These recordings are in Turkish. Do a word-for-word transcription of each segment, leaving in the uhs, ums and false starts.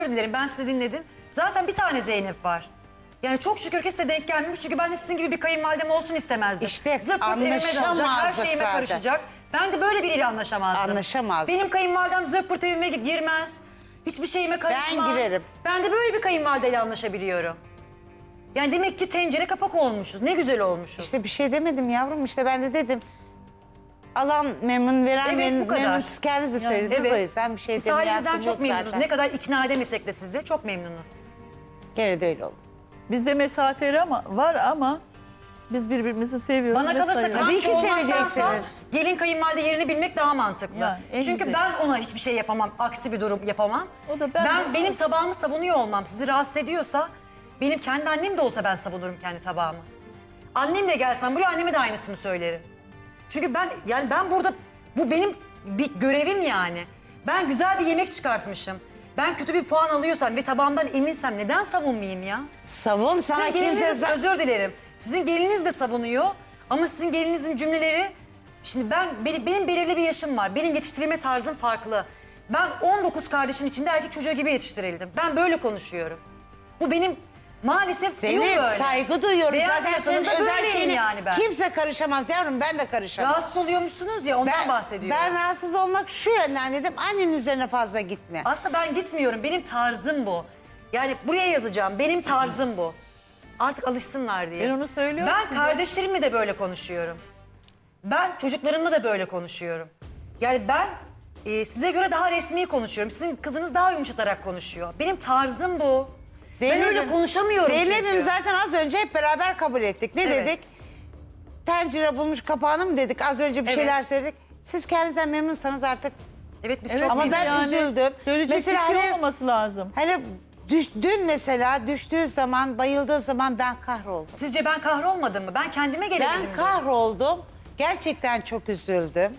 Özür dilerim, ben sizi dinledim. Zaten bir tane Zeynep var. Yani çok şükür ki size denk gelmemiş. Çünkü ben de sizin gibi bir kayınvalidem olsun istemezdim. İşte Zırt pırt evime dalacak, her anlaşamazdık şeyime zaten. karışacak. Ben de böyle biriyle anlaşamazdım. Anlaşamazdık. Benim kayınvalidem zırt pırt evime girmez. Hiçbir şeyime karışmaz. Ben girerim. Ben de böyle bir kayınvalideyle anlaşabiliyorum. Yani demek ki tencere kapak olmuşuz. Ne güzel olmuşuz. İşte bir şey demedim yavrum, işte ben de dedim. Alan memnun, veren Evet, memnun. bu kadar. memnun. Siz kendiniz de söylediniz, o yüzden bir şey Biz demeye halimizden hakkım çok yok memnunuz. zaten. Ne kadar ikna edemesek de sizi çok memnunuz. Gene de öyle oldu. Bizde mesafe ama var ama biz birbirimizi seviyoruz. Bana ve kalırsa sayıyoruz. Tabii kanki ki olmaktansa seveceksiniz. gelin kayınvalide yerini bilmek daha mantıklı. Yani en Çünkü güzeli. ben ona hiçbir şey yapamam, aksi bir durum yapamam. O da ben ben de- benim tabağımı savunuyor olmam sizi rahatsız ediyorsa, benim kendi annem de olsa ben savunurum kendi tabağımı. Annemle gelsem buraya anneme de aynısını söylerim. Çünkü ben yani ben burada bu benim bir görevim yani. Ben güzel bir yemek çıkartmışım. Ben kötü bir puan alıyorsam ve tabağımdan eminsem neden savunmayayım ya? Savun, sana Sizin kimse... geliniz, özür dilerim. Sizin geliniz de savunuyor ama sizin gelinizin cümleleri... Şimdi ben benim, benim belirli bir yaşım var. Benim yetiştirilme tarzım farklı. Ben on dokuz kardeşin içinde erkek çocuğu gibi yetiştirildim. Ben böyle konuşuyorum. Bu benim maalesef huyum Zeynep, böyle. saygı duyuyorum. Zaten Beğenmiyorsanız senin da özel böyleyim şeyini yani ben. kimse karışamaz yavrum, ben de karışamam. Rahatsız oluyormuşsunuz ya ondan bahsediyorum. Ben rahatsız olmak şu yönden dedim, annenin üzerine fazla gitme. Aslında ben gitmiyorum. Benim tarzım bu. Yani buraya yazacağım. Benim tarzım bu. Artık alışsınlar diye. Ben onu söylüyorum Ben size. kardeşlerimle de böyle konuşuyorum. Ben çocuklarımla da böyle konuşuyorum. Yani ben e, size göre daha resmi konuşuyorum. Sizin kızınız daha yumuşatarak konuşuyor. Benim tarzım bu. ben öyle konuşamıyorum Zeynep'im çünkü. zaten az önce hep beraber kabul ettik. Ne Evet. dedik? Tencere bulmuş kapağını mı dedik? Az önce bir Evet. şeyler söyledik. Siz kendinizden memnunsanız artık. Evet biz Evet, çok ama memnunuz. ben üzüldüm. Söyleyecek Mesela bir şey hani- olmaması lazım. Hani düş, dün mesela düştüğü zaman, bayıldığı zaman ben kahroldum. Sizce ben kahrolmadım mı? Ben kendime gelebildim. Ben kahroldum. Gerçekten çok üzüldüm.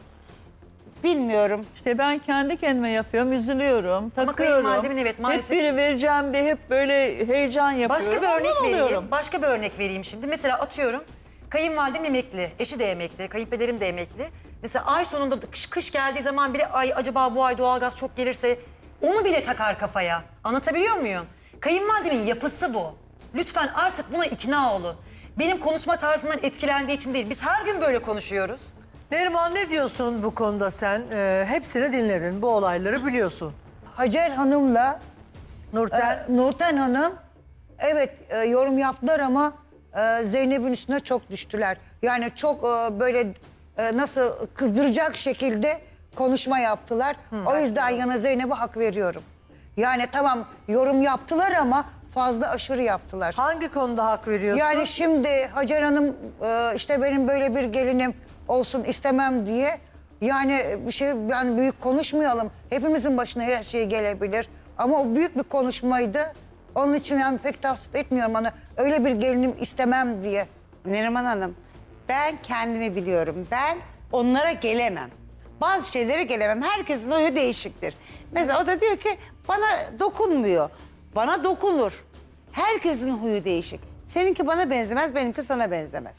Bilmiyorum. İşte ben kendi kendime yapıyorum, üzülüyorum, takıyorum. kayınvalidemin evet, maalesef- Hep biri vereceğim de hep böyle heyecan yapıyorum. Başka bir Ondan örnek vereyim. oluyorum. Başka bir örnek vereyim şimdi. Mesela atıyorum kayınvalidem emekli, eşi de emekli, kayınpederim de emekli. Mesela ay sonunda kış, kış geldiği zaman bile ay acaba bu ay doğalgaz çok gelirse onu bile takar kafaya. Anlatabiliyor muyum? Kayınvalidemin yapısı bu. Lütfen artık buna ikna olun. Benim konuşma tarzımdan etkilendiği için değil. Biz her gün böyle konuşuyoruz. Neriman, ne diyorsun bu konuda sen? Ee, hepsini dinledin, bu olayları biliyorsun. Hacer Hanım'la Nurten, e, Nurten Hanım evet e, yorum yaptılar ama e, Zeynep'in üstüne çok düştüler. Yani çok e, böyle e, nasıl kızdıracak şekilde konuşma yaptılar. O yüzden yana Zeynep'e hak veriyorum. Yani tamam yorum yaptılar ama fazla aşırı yaptılar. hangi konuda hak veriyorsun? Yani şimdi Hacer Hanım e, işte benim böyle bir gelinim olsun istemem diye yani bir şey yani büyük konuşmayalım. Hepimizin başına her şey gelebilir. Ama o büyük bir konuşmaydı. Onun için yani pek tasvip etmiyorum onu. Öyle bir gelinim istemem diye. Neriman Hanım, ben kendimi biliyorum. Ben onlara gelemem. Bazı şeylere gelemem. Herkesin oyu değişiktir. Mesela o da diyor ki bana dokunmuyor. Bana dokunur. Herkesin huyu değişik. Seninki bana benzemez, benimki sana benzemez.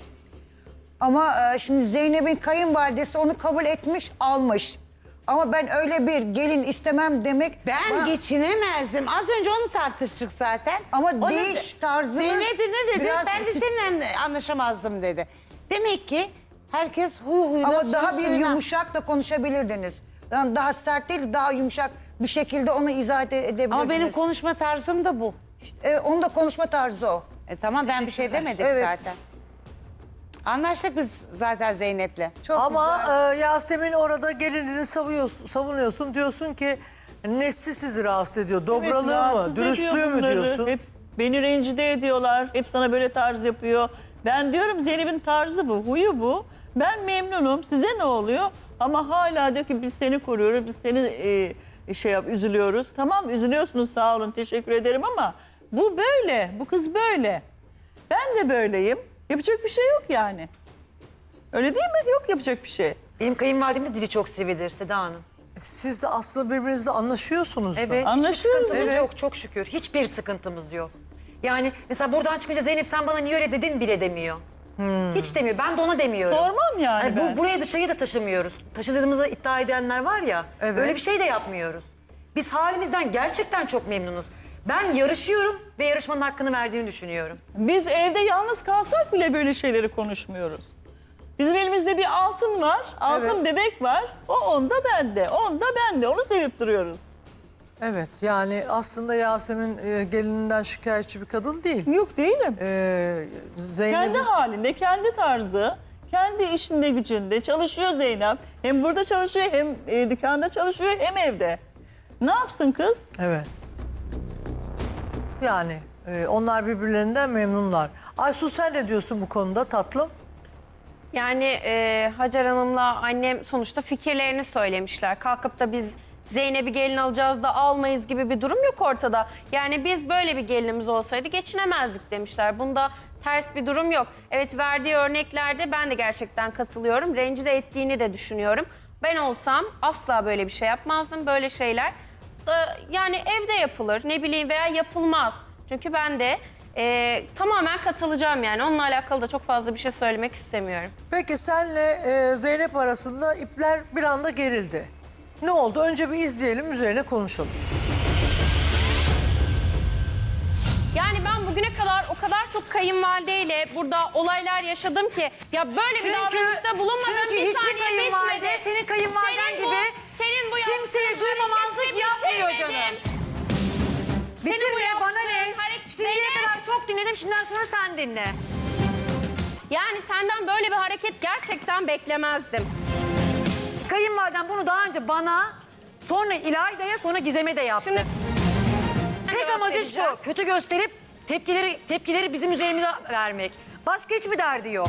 Ama e, şimdi Zeynep'in kayınvalidesi onu kabul etmiş, almış. Ama ben öyle bir gelin istemem demek... Ben bana- geçinemezdim. Az önce onu tartıştık zaten. Ama O da- değiş tarzınız Zeynep de ne dedi? biraz Ben de isi- seninle anlaşamazdım dedi. Demek ki herkes huy huyuna, Ama suyu daha bir suyuna. yumuşak da konuşabilirdiniz. Yani daha sert değil, daha yumuşak bir şekilde onu izah ede- edebilirdiniz. Ama benim konuşma tarzım da bu. E, onun da konuşma tarzı o. E tamam, ben bir şey demedim Evet. zaten. Anlaştık biz zaten Zeynep'le. Çok Ama güzel. e, Yasemin orada gelinini savuyorsun, savunuyorsun. Diyorsun ki nesli sizi rahatsız ediyor. Dobralığı Evet, mı, rahatsız dürüstlüğü ediyor mü bunları. diyorsun? Hep beni rencide ediyorlar. Hep sana böyle tarz yapıyor. Ben diyorum Zeynep'in tarzı bu, huyu bu. Ben memnunum. Size ne oluyor? Ama hala diyor ki biz seni koruyoruz, biz seni e, şey yap, üzülüyoruz. Tamam, üzülüyorsunuz, sağ olun, teşekkür ederim ama bu böyle, bu kız böyle. Ben de böyleyim. Yapacak bir şey yok yani. Öyle değil mi? Yok yapacak bir şey. Benim kayınvalidem de dili çok sivridir Seda Hanım. Siz de aslında birbirinizle anlaşıyorsunuz da. Evet, Anlaşıyoruz. hiçbir sıkıntımız Evet. yok çok şükür. Hiçbir sıkıntımız yok. Yani mesela buradan çıkınca Zeynep sen bana niye öyle dedin bile demiyor. Hiç demiyor. Ben de ona demiyorum. Sormam yani Hani ben. bu, buraya dışarıya da taşımıyoruz. Taşıdığımızda iddia edenler var ya. Evet. Öyle bir şey de yapmıyoruz. Biz halimizden gerçekten çok memnunuz. Ben yarışıyorum ve yarışmanın hakkını verdiğini düşünüyorum. Biz evde yalnız kalsak bile böyle şeyleri konuşmuyoruz. Bizim elimizde bir altın var, altın Evet. bebek var. O onda bende, onda bende. Onu sevip duruyoruz. Evet yani aslında Yasemin e, gelininden şikayetçi bir kadın değil. Yok değilim. Ee, Kendi Zeynep'in halinde, kendi tarzı, kendi işinde gücünde çalışıyor Zeynep. Hem burada çalışıyor, hem e, dükkanda çalışıyor, hem evde. Ne yapsın kız? evet. Yani e, onlar birbirlerinden memnunlar. Aysu sen ne diyorsun bu konuda tatlım? Yani e, Hacer Hanım'la annem sonuçta fikirlerini söylemişler. Kalkıp da biz Zeynep'i gelin alacağız da almayız gibi bir durum yok ortada. Yani biz böyle bir gelinimiz olsaydı geçinemezdik demişler. Bunda ters bir durum yok. Evet, verdiği örneklerde ben de gerçekten katılıyorum. Rencide ettiğini de düşünüyorum. Ben olsam asla böyle bir şey yapmazdım. Böyle şeyler da yani evde yapılır, ne bileyim, veya yapılmaz. Çünkü ben de e, tamamen katılacağım yani. Onunla alakalı da çok fazla bir şey söylemek istemiyorum. Peki senle e, Zeynep arasında ipler bir anda gerildi. Ne oldu? Önce bir izleyelim, üzerine konuşalım. Yani ben bugüne kadar o kadar çok kayınvalideyle burada olaylar yaşadım ki ya böyle bir davranışta bulunmadım. çünkü Bir hiçbir saniye kayınvalide bitmedi. senin kayınvaliden Senin bu- gibi senin bu kimseye yaptığın duymamazlık hareketi yapmıyor bitirmedim. canım. Senin bu Bitirmeye bana ne? yaptığın hareket- Şimdiye Zeynep! kadar çok dinledim, şimdiden sonra sen dinle. Yani senden böyle bir hareket gerçekten beklemezdim. Kayınvaliden bunu daha önce bana, sonra İlayda'ya, sonra Gizem'e de yaptı. Şimdi Tek cevap amacı vereceğim. şu, kötü gösterip tepkileri tepkileri bizim üzerimize vermek. Başka hiçbir derdi yok.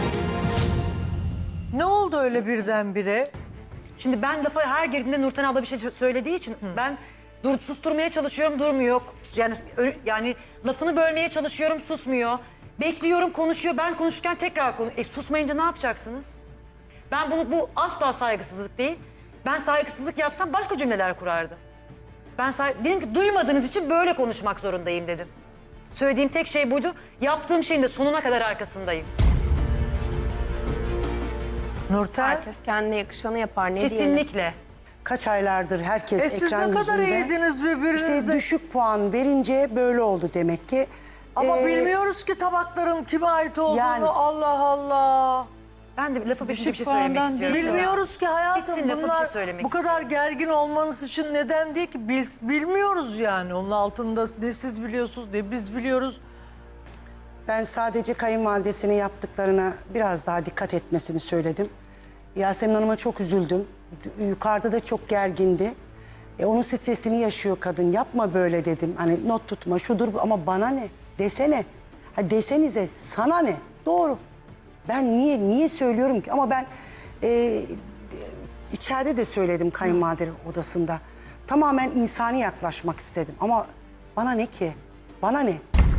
Ne oldu öyle birdenbire? Şimdi ben lafa her girdiğimde Nurten abla bir şey söylediği için ben dur, susturmaya çalışıyorum, durmuyor. Yani ö- yani lafını bölmeye çalışıyorum, susmuyor. Bekliyorum, konuşuyor. Ben konuşurken tekrar konu. E susmayınca ne yapacaksınız? Ben bunu bu asla saygısızlık değil. Ben saygısızlık yapsam başka cümleler kurardım. Ben say- dedim ki duymadığınız için böyle konuşmak zorundayım dedim. Söylediğim tek şey buydu. Yaptığım şeyin de sonuna kadar arkasındayım. Nurten? Herkes kendine yakışanı yapar, ne diyelim. Kesinlikle. Kaç aylardır herkes E siz ekran ne kadar yüzünde. iyiydiniz birbirinizle. İşte düşük puan verince böyle oldu demek ki. Ama Ee, bilmiyoruz ki tabakların kime ait olduğunu. Yani- Allah Allah. Ben de lafı bitince bir şey puandan söylemek istiyorum. değil. Bilmiyoruz ki hayatım. Bitsin lafı, bir Bunlar şey söylemek bu kadar gergin olmanız için neden değil ki? Biz bilmiyoruz yani. Onun altında ne siz biliyorsunuz ne biz biliyoruz. Ben sadece kayınvalidesinin yaptıklarına biraz daha dikkat etmesini söyledim. Yasemin Hanım'a çok üzüldüm. Yukarıda da çok gergindi. E, onun stresini yaşıyor kadın. Yapma böyle dedim. Hani not tutma şudur bu. Ama bana ne? Desene. Ha, desenize sana ne? Doğru. Ben niye niye söylüyorum ki? Ama ben e, içeride de söyledim kayınvalide odasında. Tamamen insani yaklaşmak istedim. Ama bana ne ki? Bana ne?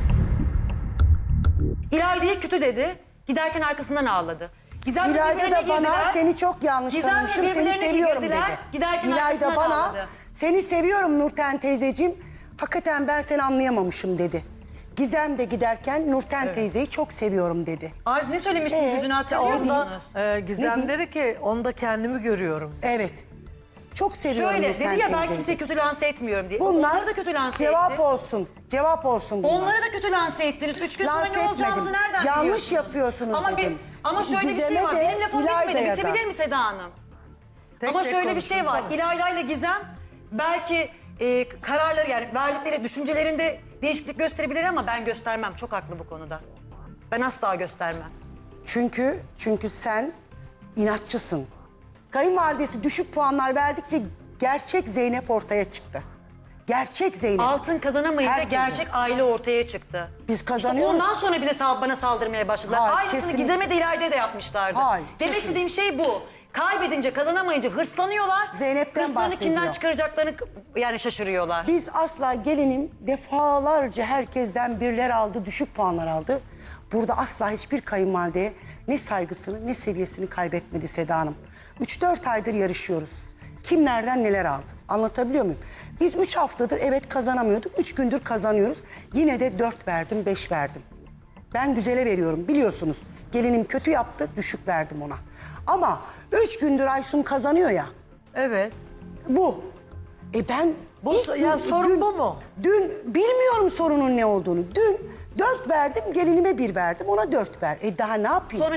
İlayda'ya kötü dedi. Giderken arkasından ağladı. Gizem'le İlayda birbirine da bana girdiler. seni çok yanlış Gizem'le tanımışım, seni birbirlerine seviyorum girdiler, dedi. giderken İlayda arkasından bana ağladı. seni seviyorum Nurten teyzeciğim, hakikaten ben seni anlayamamışım dedi. Gizem de giderken Nurten teyzeyi çok seviyorum dedi. Ar- ne söylemiştiniz Ee, yüzünü hatırlıyor onda- musunuz? Ee, Gizem Ne dedi ki onda kendimi görüyorum. Evet, çok seviyorum Şöyle Nurten dedi ya, ben teyzeyi. kimseyi kötü lanse etmiyorum diye. Bunlar Onları da kötü lanse cevap etti. olsun, cevap olsun bunlar. Onları da kötü lanse ettiniz. Üç gün sonra Lanse ne olacağımızı etmedim. nereden Yanlış biliyorsunuz? yapıyorsunuz ama dedim. Bir, ama şöyle bir şey Gizem'e var. de, Benim lafım bitmedi. İlayda'ya da. Bitebilir mi Seda Hanım? Tek Ama tek şöyle bir şey konuşun, var. tamam. İlayda ile Gizem belki e, kararları, yani verdikleri düşüncelerinde değişiklik gösterebilir ama ben göstermem. Çok haklı bu konuda. Ben asla göstermem. Çünkü çünkü sen inatçısın. Kayınvalidesi düşük puanlar verdikçe gerçek Zeynep ortaya çıktı. Gerçek Zeynep. Altın kazanamayınca Herkesin. gerçek aile ortaya çıktı. Biz kazanıyoruz. İşte ondan sonra bize sal- bana saldırmaya başladılar. Hayır, Aynısını kesinlikle. Gizem'e de İlayda'ya da yapmışlardı. Hayır, Demek kesinlikle. istediğim şey bu. Kaybedince, kazanamayınca hırslanıyorlar. Zeynep'ten Hırslarını bahsediyor. kimden çıkaracaklarını yani şaşırıyorlar. Biz asla gelinim defalarca herkesten birler aldı, düşük puanlar aldı. Burada asla hiçbir kayınvalideye ne saygısını ne seviyesini kaybetmedi Seda Hanım. Üç dört aydır yarışıyoruz. Kim nereden neler aldı? Anlatabiliyor muyum? Biz üç haftadır evet kazanamıyorduk. Üç gündür kazanıyoruz. Yine de dört verdim, beş verdim. Ben güzele veriyorum biliyorsunuz. Gelinim kötü yaptı, düşük verdim ona. Ama üç gündür Aysun kazanıyor ya. Evet. Bu. E ben Bu İlk ya gün- sorun dün- bu mu? Dün bilmiyorum sorunun ne olduğunu. Dün dört verdim, gelinime bir verdim, ona dört ver. E daha ne yapayım? Sorun